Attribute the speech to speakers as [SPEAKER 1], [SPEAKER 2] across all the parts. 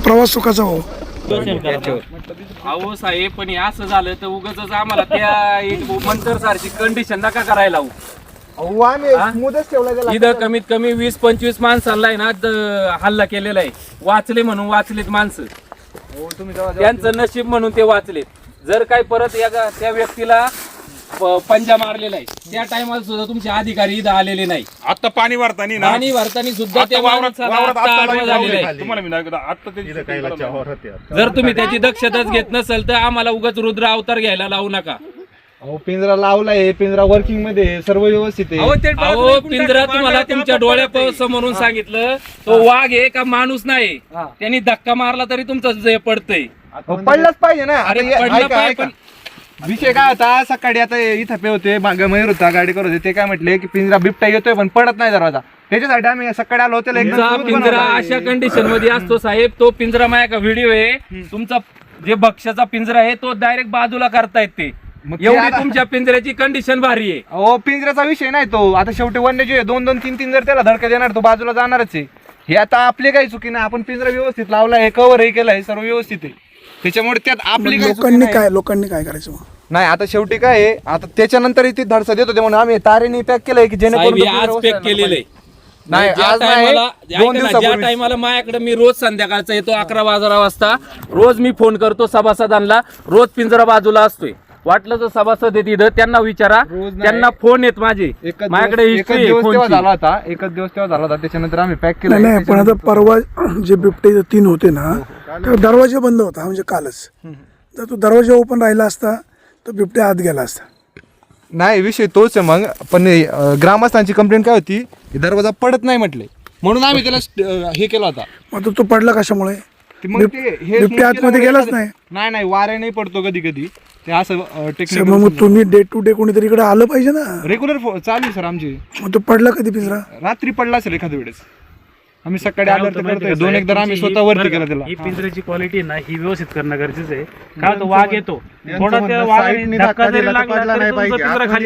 [SPEAKER 1] प्रवास सुखाचा हो.
[SPEAKER 2] अहो साहेब, पण असं झालं तर उगाच आम्हाला त्या मंतर सारखी कंडिशन नका करायला लावू. इथं कमीत कमी 20-25 माणसांना आहे ना हल्ला केलेला आहे. वाचले म्हणून वाचलेत माणसं, त्यांचं नशीब म्हणून ते वाचलेत. जर काही परत त्या व्यक्तीला पंजा मारलेला आहे त्या टायमाला सुद्धा तुमचे अधिकारी इथं आलेले नाही.
[SPEAKER 3] आता पाणी भरताना
[SPEAKER 2] सुद्धा त्या जर तुम्ही त्याची दक्षताच घेत नसेल तर आम्हाला उगाच रुद्र अवतार घ्यायला लावू नका.
[SPEAKER 4] पिंजरा लावलाय, पिंजरा वर्किंग मध्ये सर्व व्यवस्थित आहे.
[SPEAKER 2] अहो पिंजरा तुम्हाला तुमच्या डोळ्यासमोरून सांगितलं, तो वाघ आहे का माणूस नाही. त्यांनी धक्का मारला तरी तुमचं पडतंय.
[SPEAKER 4] पडलाच पाहिजे ना.
[SPEAKER 2] अरे पडलं पाहिजे.
[SPEAKER 4] विषय काय होता, सकाळी आता इथं पे होते मयूर होता गाडी करत होते, ते काय म्हटले की पिंजरा बिबट्या येतोय पण पडत नाही दरवाजा. त्याच्यासाठी आम्ही सकाळी आलो होतो.
[SPEAKER 2] पिंजरा अशा कंडिशन मध्ये असतो साहेब. तो पिंजरा माझ्या का व्हिडिओ आहे तुमचा, जे भक्ष्याचा पिंजरा आहे तो डायरेक्ट बाजूला करतायत ते. एवढी तुमच्या पिंजऱ्याची कंडिशन भारी आहे.
[SPEAKER 4] हो, पिंजऱ्याचा विषय नाही तो. आता शेवटी वन्यजीव 2-3 जर त्याला धडका देणार तो बाजूला जाणारच आहे. हे आता आपली काही चुकी नाही. आपण पिंजरा व्यवस्थित लावलाय, कव्हरही केलाय, सर्व व्यवस्थित आहे. त्याच्यामुळे त्यात आपली
[SPEAKER 1] लोकांनी काय करायचं
[SPEAKER 4] नाही. आता शेवटी काय आहे, आता त्याच्यानंतर ती धडसा देत होते म्हणून आम्ही तारेने पॅक केलंय की जेणेकरून
[SPEAKER 2] आज पॅक केलेलं आहे.
[SPEAKER 4] नाही,
[SPEAKER 2] ज्या टायमाला माझ्याकडे मी रोज संध्याकाळचा येतो 11-12 वाजता, रोज मी फोन करतो सभासदांना, रोज पिंजरा बाजूला असतोय. वाटलं तर सभासद येत इथं, त्यांना विचारा, त्यांना फोन येत माझे. माझ्याकडे
[SPEAKER 4] एकच दिवस झाला होता त्याच्यानंतर आम्ही पॅक केलं.
[SPEAKER 1] नाही, पण आता परवा जे बिबटे 3 होते ना, तर दरवाजा बंद होता. म्हणजे कालच जर तो दरवाजा ओपन राहिला असता तर बिबट्या आत गेला असता.
[SPEAKER 4] नाही, विषय तोच आहे. मग पण ग्रामस्थांची कंप्लेंट काय होती, दरवाजा पडत नाही म्हटले, म्हणून आम्ही त्याला हे केला होता.
[SPEAKER 1] मग तो पडला कशामुळे? बिबट्या आतमध्ये गेलाच
[SPEAKER 4] नाही, वारे नाही पडतो कधी कधी ते असं टेक्निक.
[SPEAKER 1] मग तुम्ही डे टू डे कोणीतरी इकडे आलं पाहिजे ना.
[SPEAKER 4] रेग्युलर चालू आहे सर आमची.
[SPEAKER 1] मग तो पडला कधी पिंजरा?
[SPEAKER 4] रात्री पडला असेल एखाद्या वेळेस. आम्ही सकाळी अलर्ट करतोय. 2-1 आम्ही स्वतः वरती केला त्याला.
[SPEAKER 5] ही पिंजऱ्याची क्वालिटी ना ही व्यवस्थित करणं गरजेचं आहे. का तो वाघ येतो, थोडा त्या वाघाने धक्का जरी लागला तरी तुमचा पिंजरा खाली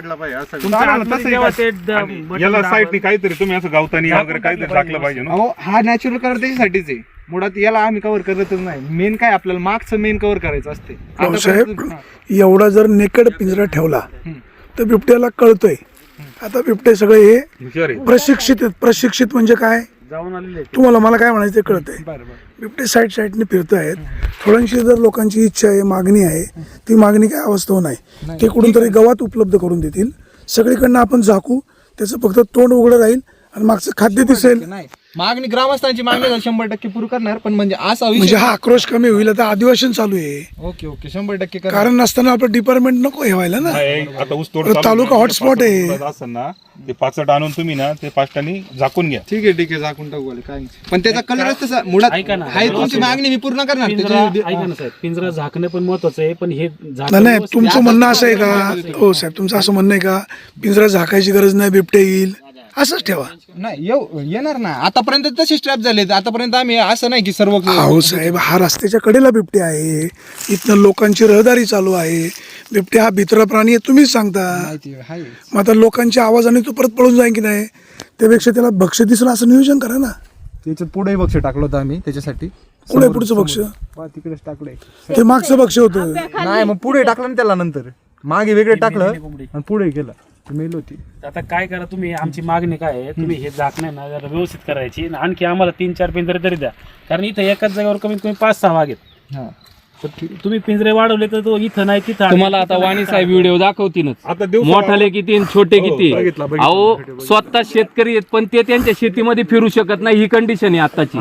[SPEAKER 5] पडतोय.
[SPEAKER 3] याला साईडनी काहीतरी तुम्ही असं गावतानी वगैरे काहीतरी टाकलं पाहिजे ना.
[SPEAKER 4] हा नॅचरल कलर त्याच्यासाठीच आहे. मुळात याला आम्ही कव्हर करतच नाही. मेन काय आपल्याला मागचं मेन कव्हर करायचं असते.
[SPEAKER 1] साहेब, एवढा जर नेकड पिंजरा ठेवला तर बिबट्याला कळतोय. आता बिबटे सगळे हे प्रशिक्षित म्हणजे काय
[SPEAKER 5] जाऊन आलेले
[SPEAKER 1] तुम्हाला, मला काय म्हणायचं ते कळतंय. बिबटे साईडने फिरत आहेत. थोड्यांशी जर लोकांची इच्छा आहे, मागणी आहे, ती मागणी काय अवस्था नाही. ते कुठून तरी गवात उपलब्ध करून देतील. सगळीकडनं आपण झाकू, त्याचं फक्त तोंड उघडं राहील आणि मागचं खाद्य दिसेल.
[SPEAKER 4] मागणी ग्रामस्थांची मागणी 100% पूर्ण करणार. पण म्हणजे असा
[SPEAKER 1] म्हणजे हा आक्रोश कमी होईल. आता अधिवेशन चालू आहे.
[SPEAKER 4] ओके 100%
[SPEAKER 1] कारण नसताना आपलं डिपार्टमेंट नको हे व्हायला ना.
[SPEAKER 3] आता ऊसतोड
[SPEAKER 1] तालुका हॉटस्पॉट आहे.
[SPEAKER 3] असं ना, ते 5 आणून तुम्ही ना ते 5 झाकून घ्या.
[SPEAKER 4] ठीक आहे झाकून टाकू काय. पण त्याचा कलरच तसा मुळात आहे. तुमची मागणी मी पूर्ण करणार.
[SPEAKER 5] ऐका ना साहेब, पिंजरा झाकणं पण महत्वाचं आहे. पण हे
[SPEAKER 1] नाही, तुमचं म्हणणं असं आहे का? हो साहेब, तुमचं असं म्हणणं आहे का पिंजरा झाकायची गरज नाही, बिबटे येईल असंच ठेवा?
[SPEAKER 4] नाही, येणार ना. आतापर्यंत तसेच ट्रॅप झाले. आतापर्यंत आम्ही असं नाही की सर्व.
[SPEAKER 1] हो साहेब, हा रस्त्याच्या कडेला बिबटे आहे. इथनं लोकांची रहदारी चालू आहे. बिबटे हा भित्र प्राणी आहे, तुम्हीच सांगता. मग आता लोकांच्या आवाजाने तो परत पळून जाईल की नाही? त्यापेक्षा त्याला भक्ष्य दिसलं असं नियोजन करा ना.
[SPEAKER 4] त्याच्यात पुढे भक्ष टाकलं होतं आम्ही त्याच्यासाठी.
[SPEAKER 1] पुढे पुढचं भक्ष्य
[SPEAKER 4] तिकडेच टाकलंय.
[SPEAKER 1] ते मागचं भक्ष्य होतं.
[SPEAKER 4] नाही, मग पुढे टाकलं ना त्याला. नंतर मागे वेगळे टाकलं आणि पुढे केलं. मेल होती.
[SPEAKER 5] आता काय करा तुम्ही, आमची मागणी काय आहे, तुम्ही हे झाकणं ना जरा व्यवस्थित करायची. आणखी आम्हाला 3-4 पिंजरे तरी द्या. कारण इथं एकाच जागेवर कमीत कमी 5-6 वाघ आहेत. तुम्ही पिंजरे वाढवले तर तो इथं नाही तिथं.
[SPEAKER 2] तुम्हाला आता वाणी साहेब व्हिडिओ दाखवतीनच. मोठाले किती आणि छोटे किती. अहो स्वतः शेतकरी आहेत पण ते त्यांच्या शेतीमध्ये फिरू शकत नाही. ही कंडिशन आहे आताची.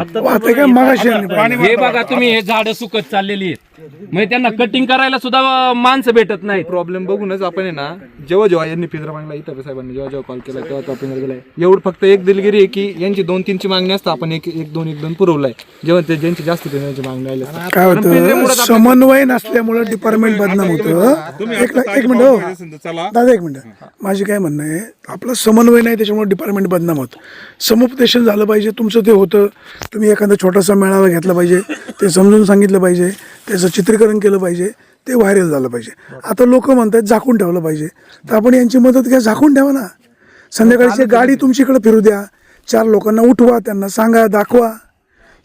[SPEAKER 2] हे बघा तुम्ही, हे झाडं सुकत चाललेली आहेत. म्हणजे त्यांना कटिंग करायला सुद्धा माणसं भेटत नाही.
[SPEAKER 4] प्रॉब्लेम बघूनच आपण आहे ना, जेव्हा यांनी पिंजरा मागला इथं साहेबांनी जेव्हा कॉल केला तेव्हा पिंजरा गेलाय. एवढं फक्त एक दिलगिरी आहे की यांची 2-3 ची मागणी असतं, आपण 1-2 पुरवलाय. जेव्हा ते ज्यांची जास्त पिंजऱ्याची मागणी आली
[SPEAKER 1] काय होतं, समन्वय नसल्यामुळे डिपार्टमेंट बदनाम होतं. एक मिनिट हो दादा, 1 मिनिट. माझी काय म्हणणं आहे, आपला समन्वय नाही त्याच्यामुळे डिपार्टमेंट बदनाम होतं. समुपदेशन झालं पाहिजे. तुमचं ते होतं, तुम्ही एखादा छोटासा मेळावा घेतला पाहिजे, ते समजून सांगितलं पाहिजे, त्याचं चित्रीकरण केलं पाहिजे, ते व्हायरल झालं पाहिजे. आता लोक म्हणतात झाकून ठेवलं पाहिजे, तर आपण यांची मदत घ्या, झाकून ठेवा ना. संध्याकाळची गाडी तुमच्याकडे फिरू द्या, 4 लोकांना उठवा, त्यांना सांगा, दाखवा.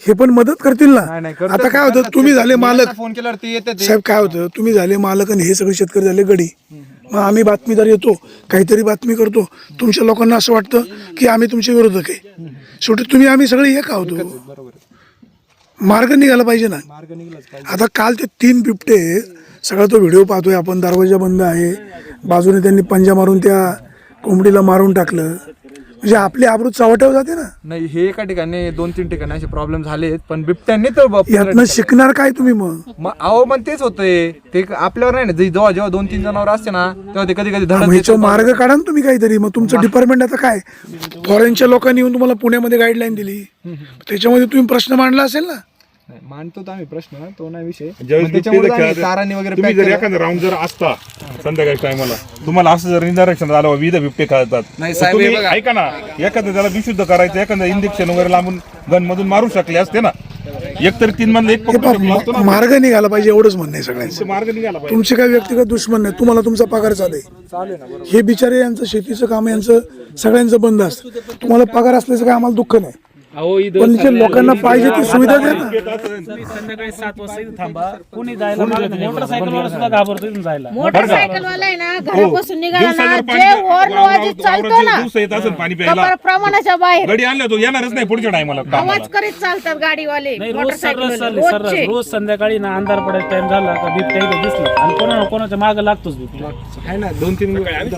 [SPEAKER 1] हे पण मदत करतील ना.
[SPEAKER 4] नाही, करतात.
[SPEAKER 1] आता काय होतं, तुम्ही झाले मालक,
[SPEAKER 4] फोन केल्यावर ते येते ते.
[SPEAKER 1] साहेब काय होतं, तुम्ही झाले मालक आणि हे सगळे शेतकरी झाले गडी. मग आम्ही बातमीदार येतो, काहीतरी बातमी करतो, तुमच्या लोकांना असं वाटतं की आम्ही तुमच्या विरोधक आहे. शेवटी तुम्ही आम्ही सगळे एक आहोत.
[SPEAKER 4] बरोबर आहे.
[SPEAKER 1] मार्ग निघाला पाहिजे ना.
[SPEAKER 4] मार्ग निघलाच पाहिजे.
[SPEAKER 1] आता काल ते 3 बिबटे, सगळा तो व्हिडिओ पाहतोय आपण, दरवाजा बंद आहे, बाजूने त्यांनी पंजा मारून त्या कोंबडीला मारून टाकलं. म्हणजे आपली आबरू चव्हाट्यावर जाते ना.
[SPEAKER 4] नाही, हे एका ठिकाणी 2-3 ठिकाणी असे प्रॉब्लेम झालेत, पण बिबट्यांनी तर
[SPEAKER 1] यातनं शिकणार काय तुम्ही मग?
[SPEAKER 4] अहो पण तेच होतंय, ते आपल्यावर नाही ना. जेव्हा 2-3 जनावर असते ना, तेव्हा ते कधी धडक
[SPEAKER 1] ह्याचा मार्ग काढा ना तुम्ही काहीतरी. मग तुमचं डिपार्टमेंट आता काय, फॉरेनच्या लोकांनी येऊन तुम्हाला पुण्यामध्ये गाईडलाईन दिली, त्याच्यामध्ये तुम्ही प्रश्न मांडला असेल ना.
[SPEAKER 4] मानतो तर आम्ही प्रश्न, तो नाही विषय.
[SPEAKER 3] ज्यावेळेस
[SPEAKER 4] मग त्याच्यामुळे
[SPEAKER 3] बिबटे
[SPEAKER 4] आम्ही तारांनी वगैरे
[SPEAKER 3] तुम्ही
[SPEAKER 4] pack
[SPEAKER 3] जर
[SPEAKER 4] केलं.
[SPEAKER 3] एखादा राऊंड जर असता संध्याकाळी टायमाला, तुम्हाला असं जर निदर्शन झालं विविध बिबटे खातात,
[SPEAKER 4] नाही
[SPEAKER 3] तर
[SPEAKER 4] साहेब, हे
[SPEAKER 3] तुम्ही
[SPEAKER 4] बघा.
[SPEAKER 3] ऐका ना, एखादं त्याला विशुद्ध करायचं, एखादं इंजेक्शन वगैरे लांबून गन मधून मारू शकले असते ना. एकतरी 3 मधलं एक पकडू शकलो असतो ना.
[SPEAKER 1] मार्ग निघाला पाहिजे, एवढंच म्हणणं आहे सगळ्यांचं.
[SPEAKER 3] मार्ग निघाला पाहिजे.
[SPEAKER 1] तुमचे काही व्यक्तिगत दुश्मन नाही, तुम्हाला तुमचा पगार चालू आहे. हे बिचारे यांचं शेतीचं काम यांचं सगळ्यांचं बंद असतं. तुम्हाला पगार असल्याचं काय आम्हाला दुःख नाही,
[SPEAKER 2] अहो
[SPEAKER 1] पण जे लोकांना पाहिजे ती सुविधा द्या ना.
[SPEAKER 5] तुम्ही संध्याकाळी 7 वाजता इथं थांबा, कोणी जायला मागत नाही. मोटरसायकलवाला सुद्धा घाबरतो इथून जायला.
[SPEAKER 6] मोटरसायकलवाला आहे ना, घरापासून निघाला ना, जे हॉर्न वाजत चालतो ना,
[SPEAKER 3] दिवस येत असेल पाणी प्यायला,
[SPEAKER 6] कपाळ प्रमाणाच्या बाहेर
[SPEAKER 3] गडी आणलं तो येणारच नाही पुढच्या टायमाला.
[SPEAKER 6] आवाज करीत चालतात गाडीवाले,
[SPEAKER 5] नाही, रोज
[SPEAKER 6] मोटरसायकल
[SPEAKER 5] चालले सर, रोज संध्याकाळी ना अंधार पडायचा टाइम झाला का बिबट्या इथं दिसला आणि कोणाच्या मागे लागतोच बिबट्या.
[SPEAKER 4] आहे ना 2-3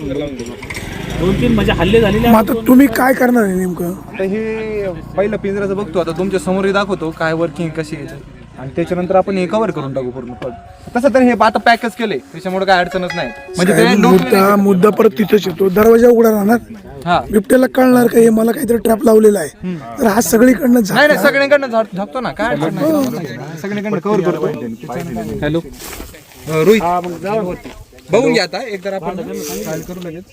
[SPEAKER 5] 2-3 म्हणजे हल्ले झालेले
[SPEAKER 1] मग आता तुम्ही काय करणार आहे नेमकं?
[SPEAKER 4] आता हे पहिलं पिंजऱ्याचं बघतो, आता तुमच्या समोर दाखवतो काय वर्किंग कशी आहे, आणि त्याच्यानंतर आपण हे कव्हर करून टाकू पूर्ण. तसं तर हे आता पॅकच केले, त्याच्यामुळे काय अडचणच नाही. म्हणजे ते
[SPEAKER 1] मुद्दा परत तिथंच येतो, दरवाजा उघडा राहणार,
[SPEAKER 4] हा
[SPEAKER 1] बिबट्याला कळणार का हे मला काहीतरी ट्रॅप लावलेला आहे, तर हा सगळीकडनं
[SPEAKER 4] नाही नाही, सगळ्यांकडनं झाकतो ना, काय अडचण नाही. सगळीकडनं कव्हर करतो. हॅलो रोहित, बघून घ्या आता एकदा आपण फाईल करू लगेच.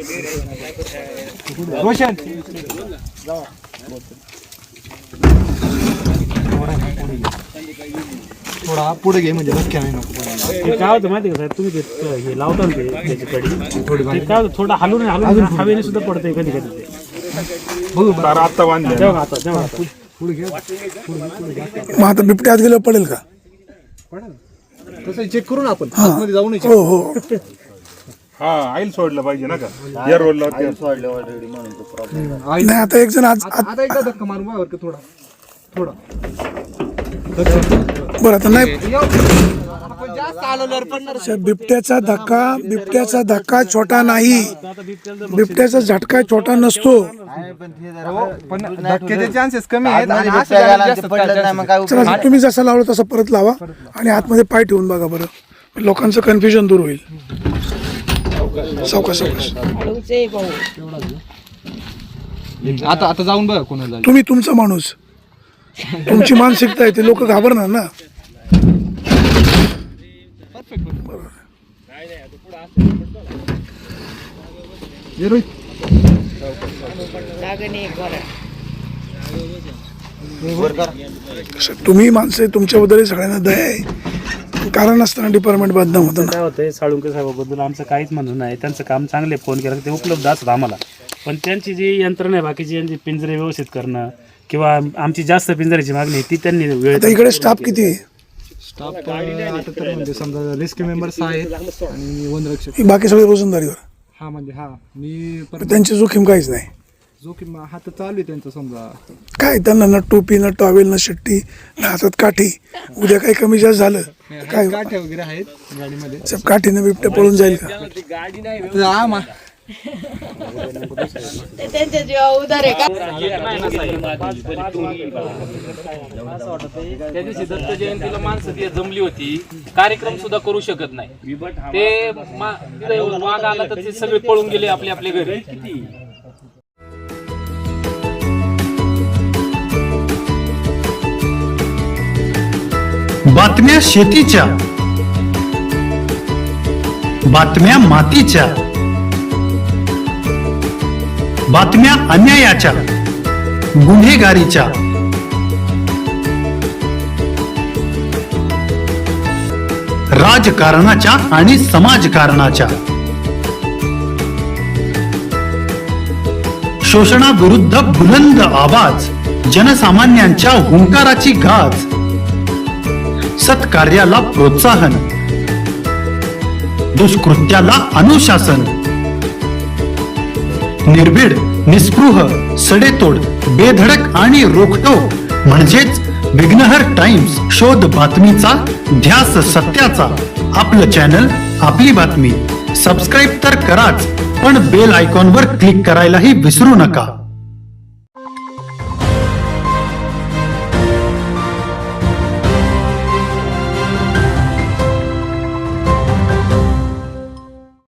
[SPEAKER 4] रोशन थोडा पुढे घे, म्हणजे धक्के नाही नको.
[SPEAKER 5] ते काय होतं माहिती का साहेब, तुम्ही ते हे लावता ना ते त्याची कडी, ते काय होतं, थोडं हलून हवेने सुद्धा पडतंय कधी कधी ते.
[SPEAKER 4] बघू
[SPEAKER 3] तारा आत्ता बांधले.
[SPEAKER 5] जेव्हा आता
[SPEAKER 1] मग आता बिबट्या आत गेलं पडेल का?
[SPEAKER 4] तसं चेक करू ना आपण, आतमध्ये जाऊ नये.
[SPEAKER 1] हो हो.
[SPEAKER 3] हा आईल सोडलं पाहिजे ना का, या रोडला
[SPEAKER 1] नाही आता एक जण आज
[SPEAKER 4] आता एकदा धक्का मारू बघा बरं का, थोडा थोडा.
[SPEAKER 1] बरं आता नाही,
[SPEAKER 4] आपण जास्त आलो पण
[SPEAKER 1] बिबट्याचा धक्का छोटा नाही, बिबट्याचा झटका छोटा नसतो.
[SPEAKER 4] पण धक्क्याचे चान्सेस कमी आहेत आणि असं झालं जास्त chances.
[SPEAKER 1] चला तुम्ही जसा लावला तसा परत लावा आणि आतमध्ये पाय ठेवून बघा बरं, लोकांचं कन्फ्युजन दूर होईल. सावकाश सावकाश.
[SPEAKER 4] आता जाऊन बघा कोणाला.
[SPEAKER 1] तुम्ही तुमचा माणूस, तुमची मानसिकता आहे, ते लोक घाबरणार ना. तुम्ही माणसं आहे, तुमच्याबद्दल सगळ्यांना दया आहे, कारण असताना डिपार्टमेंट बदनाम होतं ना.
[SPEAKER 5] काय होतंय, साळुंके साहेबाबद्दल आमचं काहीच म्हणणं नाही, त्यांचं काम चांगले, फोन केला ते उपलब्ध असतात आम्हाला, पण त्यांची जी यंत्रणा आहे बाकीची, यांची पिंजरे व्यवस्थित करणं किंवा आमची जास्त पिंजऱ्याची मागणी आहे, ती त्यांनी वेळ.
[SPEAKER 1] आता इकडे स्टाफ किती आहे?
[SPEAKER 4] स्टाफ आता तर म्हणजे समजा रेस्क्यू मेंबर्स आहेत आणि वनरक्षक.
[SPEAKER 1] बाकी सगळे रोजंदारीवर,
[SPEAKER 4] हा म्हणजे हा मी पण
[SPEAKER 1] त्यांची जोखीम काहीच नाही.
[SPEAKER 4] जोखीम हा तर चालू आहे त्यांचं समजा.
[SPEAKER 1] काय त्यांना ना टोपी ना टॉवेल ना शिट्टी ना हातात काठी, उद्या काही कमी जास्त झालं काय
[SPEAKER 4] काठ्या वगैरे आहेत गाडीमध्ये.
[SPEAKER 1] साहेब, काठीनं बिबट्या पळून जाईल का?
[SPEAKER 6] त्यांच्या जीवा उदार आहे का?
[SPEAKER 2] त्या दिवशी दत्त जयंतीला माणसं ती जमली होती, कार्यक्रम सुद्धा करू शकत नाही ते. वाघ आला तर ते सगळे पळून गेले आपल्या घरी.
[SPEAKER 7] बातम्या शेतीच्या, बातम्या मातीच्या, बातम्या अन्यायाच्या, गुन्हेगारीच्या, राजकारणाच्या आणि समाजकारणाच्या, शोषणाविरुद्ध बुलंद आवाज, जनसामान्यांच्या हुंकाराची गाज, सत्कार्याला प्रोत्साहन, दुष्कृत्याला अनुशासन, निर्भीड, निस्पृह, सडेतोड, बेधडक आणि रोखटोक म्हणजेच विघ्नहर टाइम्स. शोध बातमीचा, ध्यास सत्याचा. आपलं चॅनल, आपली बातमी. सबस्क्राईब तर कराच, पण बेल आयकॉनवर क्लिक करायलाही विसरू नका.